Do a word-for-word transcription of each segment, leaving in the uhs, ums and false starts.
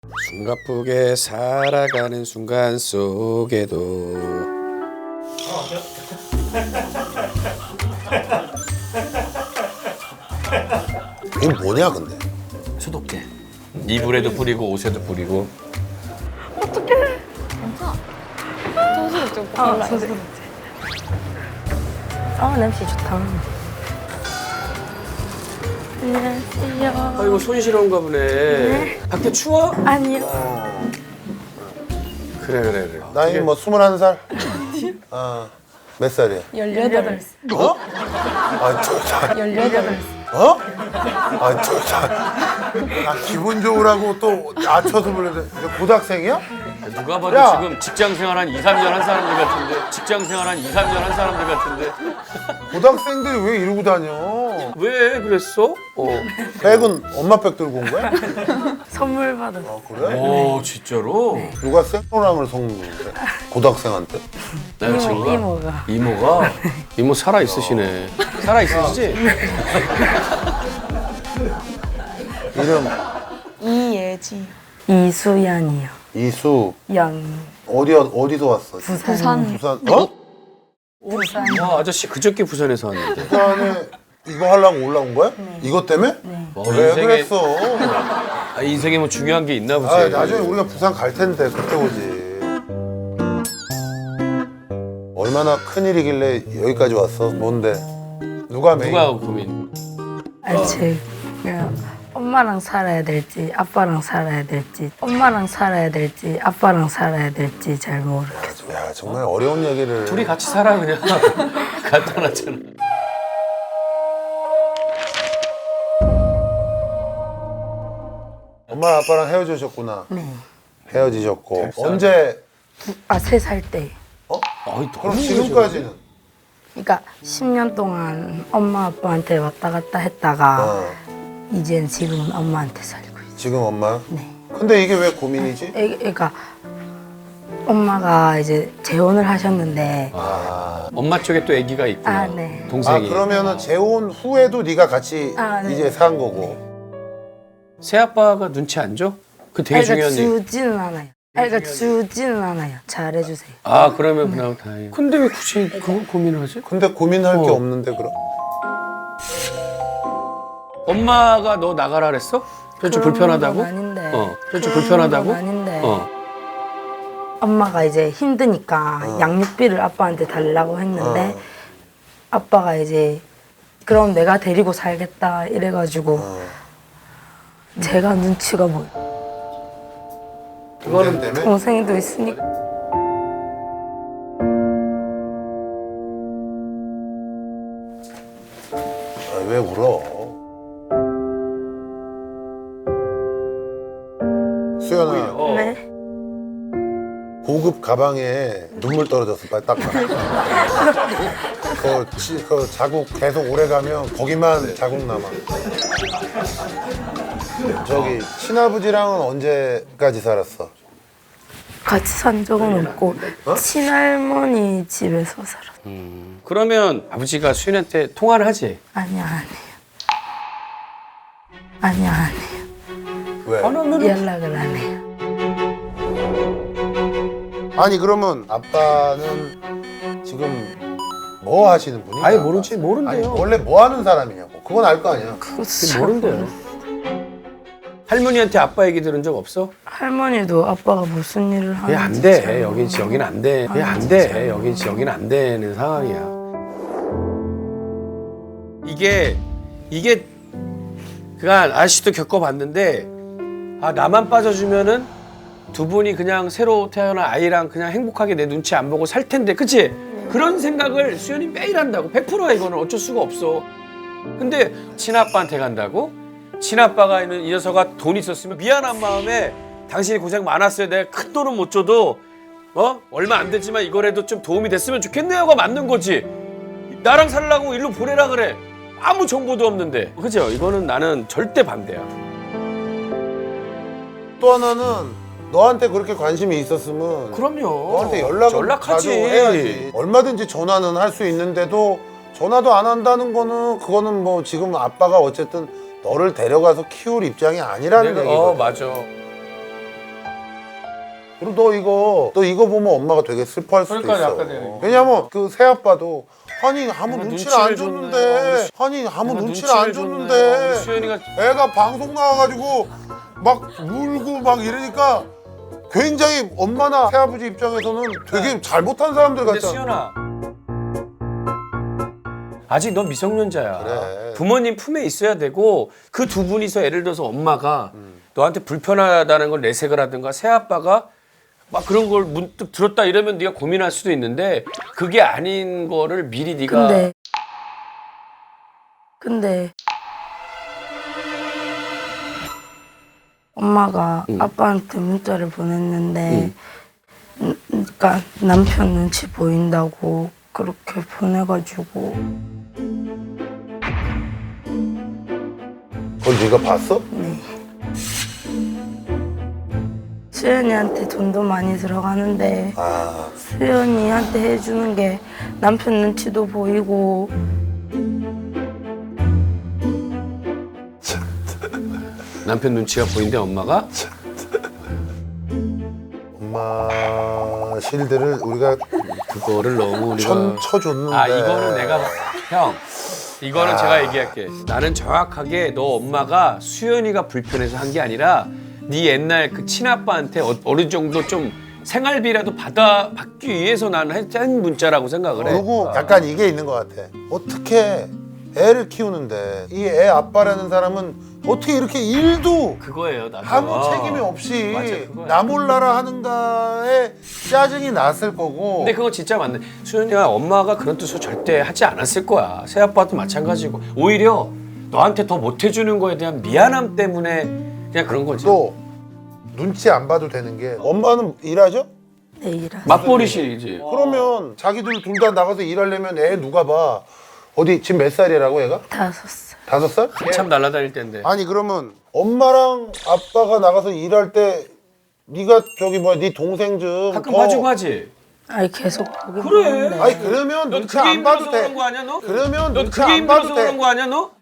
숨가쁘게 살아가는 순간 속에도 이게 뭐냐 근데? 수도깨. 이불에도 뿌리고 옷에도 뿌리고. 소스를 좀 아, 소스. 아, 냄새 좋다. 안녕하세요. 아이고 손시러운가 보네. 네. 밖에 추워? 아니요. 그래 그래 그래. 나이 뭐 스물한 살? 아, 몇 살이야? 열여덟 살. 어? 아, 저, 저, 열여덟 살. 어? 아, 저, 저, 아, 기분 좋으라고 또 낮춰서 불러야 고등학생이야? 누가 봐도 야. 지금 직장 생활 한 이, 삼 년 한 사람들 같은데. 직장 생활 한 이, 삼 년 한 사람들 같은데. 고등학생들이 왜 이러고 다녀? 왜 그랬어? 어. 백은 엄마 백 들고 온 거야? 선물 받았어. 아, 그래? 오 진짜로? 누가 생로랑을 섞는데? 고등학생한테? 내가 친구가? 이모가. 이모가? 이모 살아 있으시네. 살아 있으시지? 이름 이예지. 이수연이요. 이수. 연. 어디, 어디서 왔어? 부산. 부산. 어? 부산. 와 아저씨 그저께 부산에서 왔는데. 부산에 이거 하려고 올라온 거야? 이것 때문에? 와, 왜 인생에, 그랬어? 아, 인생에 뭐 중요한 게 있나 보지. 아, 나중에 우리가 부산 갈 텐데 그때 오지. 얼마나 큰일이길래 여기까지 왔어? 뭔데? 누가 메인? 누가 고민? 알지. 그냥 엄마랑 살아야 될지 아빠랑 살아야 될지 엄마랑 살아야 될지 아빠랑 살아야 될지 잘 모르겠어. 야, 정말 어려운 얘기를. 둘이 같이 살아 그냥. 갖다 놨잖아. 엄마 아빠랑 헤어지셨구나. 네. 헤어지셨고 언제? 아, 세 살 때. 어? 아이, 너무 그럼 지금까지는? 그러니까 십 년 동안 엄마 아빠한테 왔다 갔다 했다가 어. 이젠 지금은 엄마한테 살고 있어. 지금 엄마? 네. 근데 이게 왜 고민이지? 애, 그러니까 엄마가 이제 재혼을 하셨는데 아, 엄마 쪽에 또 아기가 있구나. 아, 네. 아 동생이. 그러면은 재혼 후에도 네가 같이 아, 네. 이제 산 거고. 새아빠가 눈치 안 줘? 그 되게 아, 그러니까 중요한 얘기. 주지는 않아요. 아, 그러니까 주지는 않아요. 잘해주세요. 아 그러면 그냥 다행이야. 근데 왜 굳이 그걸 고민을 하지? 근데 고민할 게 어. 없는데 그럼? 엄마가 너 나가라 그랬어? 좀 그런 불편하다고? 건 아닌데. 어. 좀 그런 불편하다고? 건 아닌데. 어. 엄마가 이제 힘드니까 어. 양육비를 아빠한테 달라고 했는데 어. 아빠가 이제 그럼 내가 데리고 살겠다 이래가지고 어. 제가 눈치가 보여. 그거는 때문에? 동생도 있으니까. 아, 왜 울어? 수연아, 어. 네. 고급 가방에 눈물 떨어졌어. 빨리 닦아. 그, 치, 그 자국 계속 오래 가면 거기만 자국 남아. 저기 친아버지랑은 언제까지 살았어? 같이 산 적은 없고 어? 친할머니 집에서 살았어. 그러면 아버지가 수인한테 통화를 하지? 아니야, 안 해요. 아니야, 안 해요. 왜? 안 하면 연락을 안 해요. 아니 그러면 아빠는 지금 뭐 하시는 분이야? 아예 모르지, 모른대요. 아니, 원래 뭐 하는 사람이냐고. 그건 알 거 아니야. 그거 잘 모른대요. 모르겠어요. 할머니한테 아빠 얘기 들은 적 없어? 할머니도 아빠가 무슨 일을 왜 하는지 안 돼? 잘 여긴 모르고. 여긴 안 돼. 왜 아, 안 진짜. 돼? 여긴 여긴 안 되는 상황이야. 이게 이게 그간 아저씨도 겪어봤는데 아 나만 빠져주면은 두 분이 그냥 새로 태어난 아이랑 그냥 행복하게 내 눈치 안 보고 살 텐데, 그치? 그런 생각을 수연이 매일 한다고. 백 퍼센트야 이거는 어쩔 수가 없어. 근데 친아빠한테 간다고? 친아빠가 있는 이 녀석아 돈 있었으면 미안한 마음에 당신이 고생 많았어요. 내가 큰 돈은 못 줘도 어 얼마 안 되지만 이거라도 좀 도움이 됐으면 좋겠네요가 맞는 거지. 나랑 살라고 일로 보내라 그래. 아무 정보도 없는데. 그죠? 이거는 나는 절대 반대야. 또 하나는 너한테 그렇게 관심이 있었으면 그럼요. 너한테 연락을 연락하지. 자주 해야지. 얼마든지 전화는 할 수 있는데도 전화도 안 한다는 거는 그거는 뭐 지금 아빠가 어쨌든 너를 데려가서 키울 입장이 아니라는 내가, 얘기거든. 어 맞아. 그리고 너 이거 너 이거 보면 엄마가 되게 슬퍼할 수도 그러니까 있어. 아까 내가 왜냐면 그 새아빠도 아니 아무 내가 눈치를 눈치를 안 줬네. 줬는데 아니 아무 내가 눈치를 안 눈치를 줬는데 줬네. 어, 수연이가 애가 방송 나와가지고 막 울고 막 이러니까 굉장히 엄마나 새아버지 입장에서는 되게 잘못한 사람들 근데 같잖아. 수연아 아직 넌 미성년자야. 그래. 부모님 품에 있어야 되고 그 두 분이서 예를 들어서 엄마가 음. 너한테 불편하다는 걸 내색을 하든가 새아빠가 막 그런 걸 문득 들었다 이러면 네가 고민할 수도 있는데 그게 아닌 거를 미리 네가 근데 근데 엄마가 응. 아빠한테 문자를 보냈는데 음, 그러니까 남편 눈치 보인다고 그렇게 보내가지고 그걸 네가 봤어? 수연이한테 돈도 많이 들어가는데 아 수연이한테 해주는 게 남편 눈치도 보이고 남편 눈치가 보인대 엄마가 엄마 실드를 우리가 그거를 너무 우리가 천 쳐줬는데. 아 이거는 내가 형 이거는 제가 얘기할게. 나는 정확하게 너 엄마가 수연이가 불편해서 한 게 아니라 네 옛날 그 친아빠한테 어, 어느 정도 좀 생활비라도 받아 받기 위해서 나는 한 문자라고 생각을 해. 그리고 약간 이게 있는 것 같아. 어떻게 애를 키우는데 이 애 아빠라는 사람은 어떻게 이렇게 일도 그거예요. 나도. 아무 어. 책임이 없이 맞아, 그거야. 나 몰라라 하는가에 짜증이 났을 거고. 근데 그거 진짜 맞네. 수연이가 엄마가 그런 뜻으로 절대 하지 않았을 거야. 새아빠도 마찬가지고. 오히려 너한테 더 못해주는 거에 대한 미안함 때문에 그냥 그런 거지. 또 눈치 안 봐도 되는 게 엄마는 일하죠? 내일아 맞벌이시지. 그러면 자기들 둘 다 나가서 일하려면 애 누가 봐? 어디 지금 몇 살이라고 애가? 다섯 살 다섯 살? 참 날아다닐 때인데. 아니 그러면 엄마랑 아빠가 나가서 일할 때 네가 저기 뭐야 네 동생 좀 가끔 더- 봐주고 하지. 아니 계속 보긴 그래. 보는데 아니 그러면 너 눈치 그게 안 봐도 힘들어서 돼. 그런 거 아니야 너? 그러면 너 눈치 그게 안 봐도 힘들어서 돼. 그런 거 아니야 너?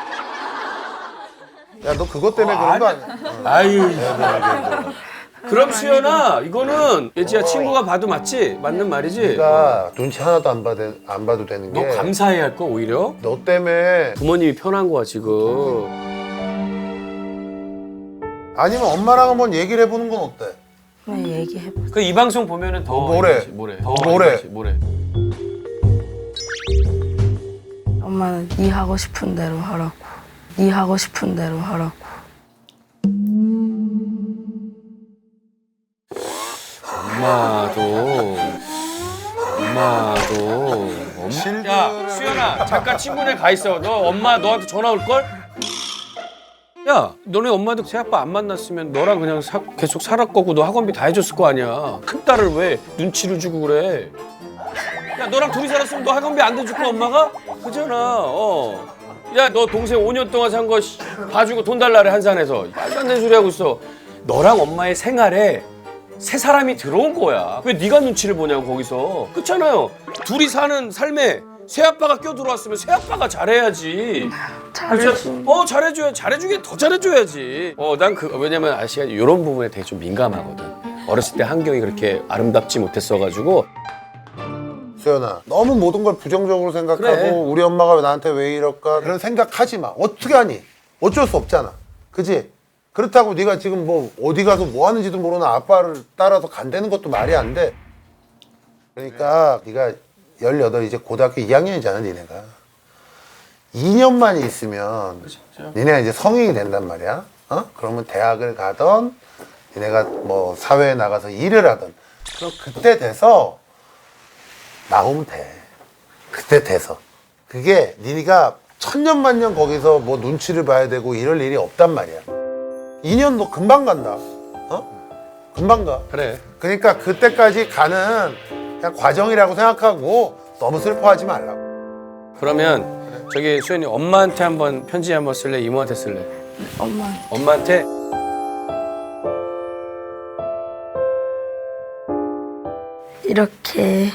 야 너 그것 때문에 그런 거 아니야? 아유. 그럼 수연아 이거는 예지야 친구가 봐도 맞지? 맞는 말이지? 네가 눈치 하나도 안 봐도 안 봐도 되는 너 게 감사해야 할 거 오히려? 너 때문에 부모님이 편한 거야 지금. 아니면 엄마랑 한번 얘기를 해보는 건 어때? 그냥 얘기해봐. 그 이 방송 보면은 더 뭐래? 이거지, 뭐래? 더 뭐래? 이거지, 뭐래? 엄마는 네 하고 싶은 대로 하라고. 네 하고 싶은 대로 하라고. 엄마도 엄마도 엄마. 실드를- 야 수연아 잠깐 친구네 가 있어. 너 엄마 너한테 전화 올 걸? 야 너네 엄마도 새아빠 안 만났으면 너랑 그냥 사- 계속 살았 거고 너 학원비 다 해줬을 거 아니야. 큰 딸을 왜 눈치를 주고 그래? 야 너랑 둘이 살았으면 너 학원비 안 대줄 거 엄마가? 그잖아. 어. 야 너 동생 오 년 동안 산 거 봐주고 돈 달라래 한산에서. 말도 안 되는 소리 하고 있어. 너랑 엄마의 생활에 새 사람이 들어온 거야. 왜 네가 눈치를 보냐고 거기서. 그렇잖아요. 둘이 사는 삶에 새아빠가 껴들어왔으면 새아빠가 잘해야지. 잘해줘. 어 잘해줘야 잘해주게 더 잘해줘야지. 어 난 그 왜냐면 아시가 이런 부분에 되게 좀 민감하거든. 어렸을 때 환경이 그렇게 아름답지 못했어가지고. 수연아 너무 모든 걸 부정적으로 생각하고 그래. 우리 엄마가 나한테 왜 이럴까 그런 생각하지 마. 어떻게 하니? 어쩔 수 없잖아. 그지? 그렇다고 네가 지금 뭐 어디 가서 뭐 하는지도 모르는 아빠를 따라서 간다는 것도 말이 안 돼. 그러니까 네가 열여덟 이제 고등학교 이 학년이잖아 니네가. 이 년만 있으면 니네가 이제 성인이 된단 말이야. 어? 그러면 대학을 가던 니네가 뭐 사회에 나가서 일을 하던 그럼 그때 돼서 나오면 돼. 그때 돼서. 그게 니네가 천년만년 거기서 뭐 눈치를 봐야 되고 이럴 일이 없단 말이야. 이 년 너 금방 간다. 어? 금방 가. 그래. 그러니까 그때까지 가는 그냥 과정이라고 생각하고 너무 슬퍼하지 말라고. 그러면 저기 수연이 엄마한테 한번 편지 한번 쓸래? 이모한테 쓸래? 엄마 엄마한테 이렇게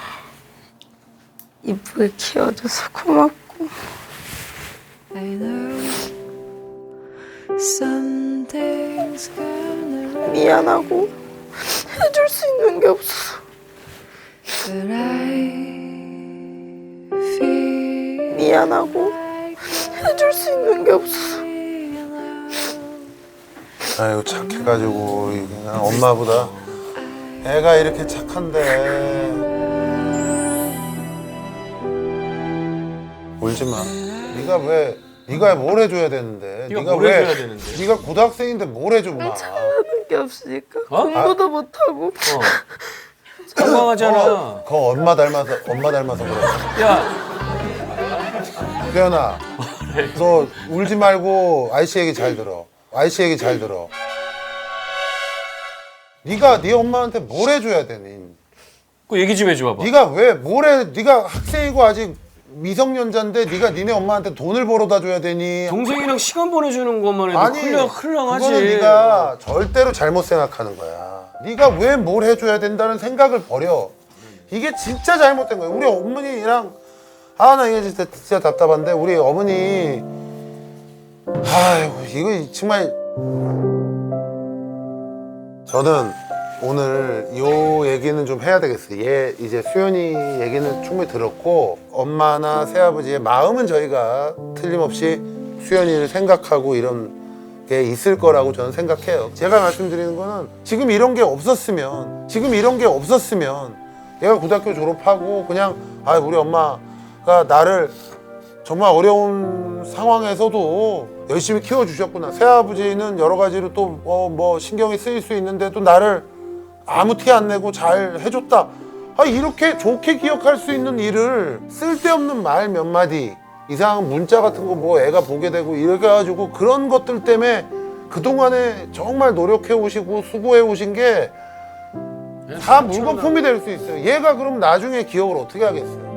이쁘게 키워줘서 고맙고 I know something's gonna 미안하고 해줄 수 있는 게 없어서 But I feel 미안하고 해줄 수 있는 게 없어서 아이고 착해가지고 이게 그냥 엄마보다 애가 이렇게 착한데 울지 마. 네가 왜 네가 뭘 해줘야 되는데? 네가 네가 뭘 왜? 해줘야 되는데? 네가 고등학생인데 뭘 해줘 마. 하는 게 없으니까 어? 공부도 못하고 어. 건강하잖아. 어, 그거 엄마 닮아서 엄마 닮아서 그래. 야, 수연아, 너 울지 말고 아이씨 얘기 잘 들어. 아이씨 얘기 잘 들어. 네가 네 엄마한테 뭘 해줘야 되니? 그 얘기 좀 해줘 봐봐. 네가 왜 뭘 해? 네가 학생이고 아직 미성년자인데 네가 니네 엄마한테 돈을 벌어다 줘야 되니? 동생이랑 시간 보내주는 것만 해도 아니, 흘렁 흘렁하지. 그거는 네가 절대로 잘못 생각하는 거야. 네가 왜 뭘 해줘야 된다는 생각을 버려. 이게 진짜 잘못된 거야. 우리 어머니랑 아 나 이게 진짜, 진짜 답답한데 우리 어머니 아이고 이거 정말 저는 오늘 요 얘기는 좀 해야 되겠어요. 얘 이제 수연이 얘기는 충분히 들었고 엄마나 새아버지의 마음은 저희가 틀림없이 수연이를 생각하고 이런 게 있을 거라고 저는 생각해요. 제가 말씀드리는 거는 지금 이런 게 없었으면 지금 이런 게 없었으면 얘가 고등학교 졸업하고 그냥 아 우리 엄마가 나를 정말 어려운 상황에서도 열심히 키워주셨구나. 새아버지는 여러 가지로 또 뭐 신경이 쓰일 수 있는데 또 나를 아무 티 안 내고 잘 해줬다. 아 이렇게 좋게 기억할 수 있는 일을 쓸데없는 말 몇 마디 이상한 문자 같은 거 뭐 애가 보게 되고 이렇게 해가지고 그런 것들 때문에 그동안에 정말 노력해 오시고 수고해 오신 게 다 물거품이 될 수 있어요. 얘가 그럼 나중에 기억을 어떻게 하겠어요?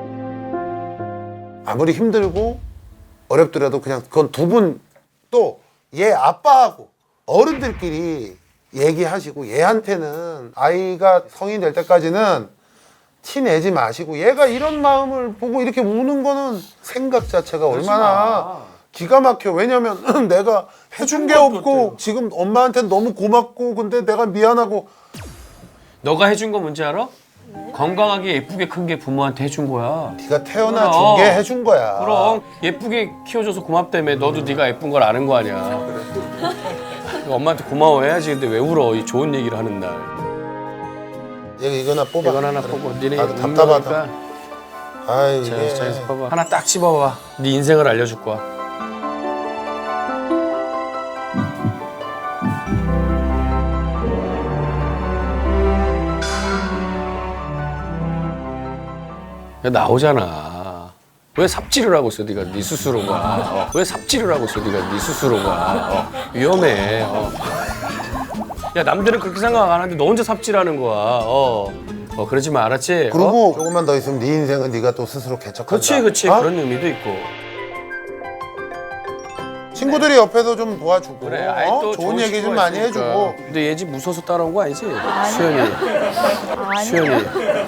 아무리 힘들고 어렵더라도 그냥 그건 두 분 또 얘 아빠하고 어른들끼리 얘기하시고 얘한테는 아이가 성인이 될 때까지는 티 내지 마시고 얘가 이런 마음을 보고 이렇게 우는 거는 생각 자체가 얼마나 기가 막혀. 왜냐면 내가 해준 게 없고 지금 엄마한테는 너무 고맙고 근데 내가 미안하고. 너가 해준 거 뭔지 알아? 건강하게 예쁘게 큰 게 부모한테 해준 거야. 네가 태어나 준 그럼. 게 해준 거야. 그럼 예쁘게 키워줘서 고맙다며. 너도 네가 예쁜 걸 아는 거 아니야. 엄마한테 고마워해야지. 근데 왜 울어? 이 좋은 얘기를 하는 날. 얘 이거나 뽑아. 이건 하나 뽑고 니네 나도 답답하다. 아이 자, 이게 자에서 봐봐. 하나 딱 집어봐. 네 인생을 알려줄 거야. 야, 나오잖아. 왜 삽질을 하고 있어, 네가 네 스스로가. 어. 왜 삽질을 하고 있어, 네가 네 스스로가. 어. 위험해. 어. 야, 남들은 그렇게 생각 안 하는데 너 혼자 삽질하는 거야. 어, 어 그러지 마, 알았지? 어? 그리고 조금만 더 있으면 네 인생은 네가 또 스스로 개척한다. 그렇지, 그렇지. 어? 그런 의미도 있고. 친구들이 옆에서 좀 도와주고 그래, 아이 어? 또 좋은 얘기 좀 친구가 많이 있으니까. 해주고. 근데 얘 집 무서워서 따라온 거 아니지? 수연이. 수연이.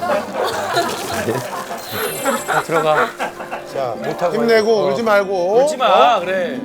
자, 들어가. 자, 못하고 힘내고 어. 울지 말고. 울지 마, 어? 그래.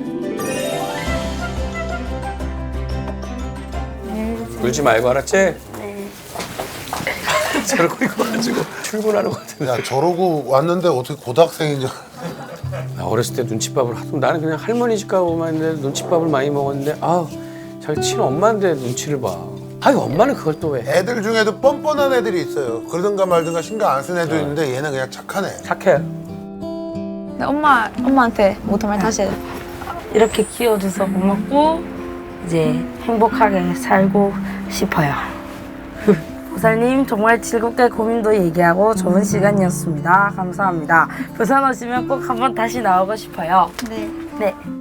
울지 말고, 알았지? 네. 저러고 이거 가지고 출근하는 거 같은데. 야 저러고 왔는데 어떻게 고등학생인 줄. 나 어렸을 때 눈칫밥을 하도 나는 그냥 할머니 집 가고만 했는데 눈칫밥을 많이 먹었는데 아우 자기 친한 엄마인데 눈치를 봐. 아유 엄마는 그걸 또 왜? 애들 중에도 뻔뻔한 애들이 있어요. 그러든가 말든가 신경 안 쓰는 애도 있는데 얘는 그냥 착한 애. 착해. 근데 엄마, 엄마한테 못한 말 다시 해. 이렇게 키워줘서 고맙고 이제 행복하게 살고 싶어요. 보살님 정말 즐겁게 고민도 얘기하고 좋은 시간이었습니다. 감사합니다. 부산 오시면 꼭 한번 다시 나오고 싶어요. 네. 네.